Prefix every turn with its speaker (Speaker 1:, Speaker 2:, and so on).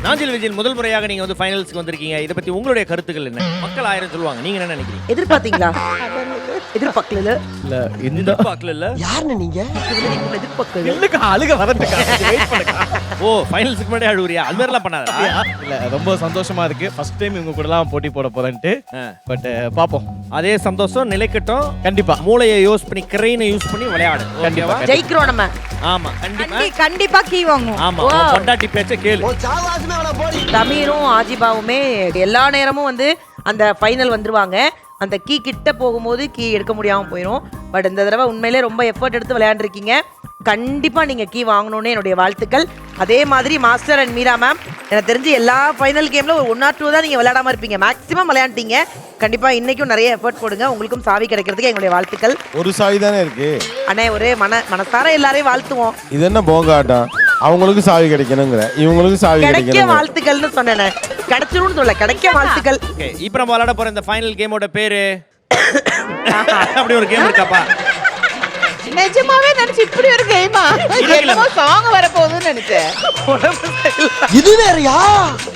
Speaker 1: நாஞ்சில் விஜயன் முதல் முறையாக நீங்க வந்து ஃபைனல்ஸ்க்கு வந்திருக்கீங்க. இத பத்தி உங்களுடைய கருத்துக்கள் என்ன? மக்கள் 1000 சொல்லுவாங்க. நீங்க என்ன நினைக்கிறீங்க?
Speaker 2: எதிர்பார்த்தீங்களா? எதிர்பார்க்கல
Speaker 3: இல்ல இந்த
Speaker 1: பார்க்கல இல்ல.
Speaker 4: யாருன்னு நீங்க?
Speaker 2: எதிர்பார்க்கல.
Speaker 3: இல்லக்கா அழுக வரட்டுக்கா. வெயிட் பண்ணுங்க.
Speaker 1: ஓ ஃபைனல்ஸ்க்கு முன்னாடி அழுவுறியா? அது மாதிரிலாம் பண்ணாதா?
Speaker 3: இல்ல ரொம்ப சந்தோஷமா இருக்கு. ஃபர்ஸ்ட் டைம் இவங்க கூடலாம் போட்டி போட போறேன்ட்டு. பட் பாப்போம்.
Speaker 1: அதே சந்தோஷம் நிலைக்கட்டும்.
Speaker 3: கண்டிப்பா.
Speaker 1: மூளையை யூஸ் பண்ணி கிரெயினை யூஸ் பண்ணி விளையாடு.
Speaker 3: கண்டிப்பா.
Speaker 2: ஜெயிக்கிறோம் நம்ம.
Speaker 1: ஆமா கண்டிப்பா.
Speaker 5: கண்டிப்பா கீ வாங்குவோம்.
Speaker 1: ஆமா பொண்டாட்டி பேச்ச கேளு.
Speaker 4: ஓ சாவாசுமே அவள போடி.
Speaker 2: தமிரும் ஆஜிபாவுமே எல்லா நேரமும் வந்து அந்த ஃபைனல் வந்துருவாங்க. அந்த கீ கிட்ட போகும்போது கீ எடுக்க முடியாம போயிடும். பட் இந்த தடவை உண்மையிலே ரொம்ப எஃபர்ட் எடுத்து விளையாண்டுருக்கீங்க. கண்டிப்பா நீங்க கீ வாங்கணும்னு என்னுடைய வாழ்த்துக்கள். அதே மாதிரி மாஸ்டர் அண்ட் மீரா மேம், எனக்கு தெரிஞ்சு எல்லா ஃபைனல் கேம்ல ஒரு 1 or 2 தான் நீங்க விளையாடாம இருப்பீங்க. மேக்ஸிமம் விளையாண்டீங்க. கண்டிப்பா இன்னைக்கும் நிறைய எஃபர்ட் போடுங்க. உங்களுக்கும் சாவி கிடைக்கிறதுக்கு எங்களுடைய வாழ்த்துக்கள்.
Speaker 6: ஒரு சாவி தானே இருக்கு.
Speaker 2: அண்ணே ஒரே மனசார எல்லாரையும் வாழ்த்துவோம்.
Speaker 6: இது என்ன போங்காட்டம்? அவங்களுக்கு சாவி கிடைக்கணுங்கிற, இவங்களுக்கு சாவி
Speaker 2: கிடைக்க
Speaker 6: கிடைக்கணும்.
Speaker 2: வாழ்த்துக்கள்னு சொன்னேன். கிடைச்சிரும்னு சொல்ல, கிடைக்க வாழ்த்துக்கள்.
Speaker 1: ஓகே இப்போ நம்ம விளையாட போற இந்த ஃபைனல் கேமோட பேரு அப்படி ஒரு கேம் இருக்காப்பா?
Speaker 5: நிஜமாவே நினைச்சு இப்படி ஒரு கேமா? என்னமோ சாங் வர போகுதுன்னு நினைச்சேன்.
Speaker 4: இது வேறயா?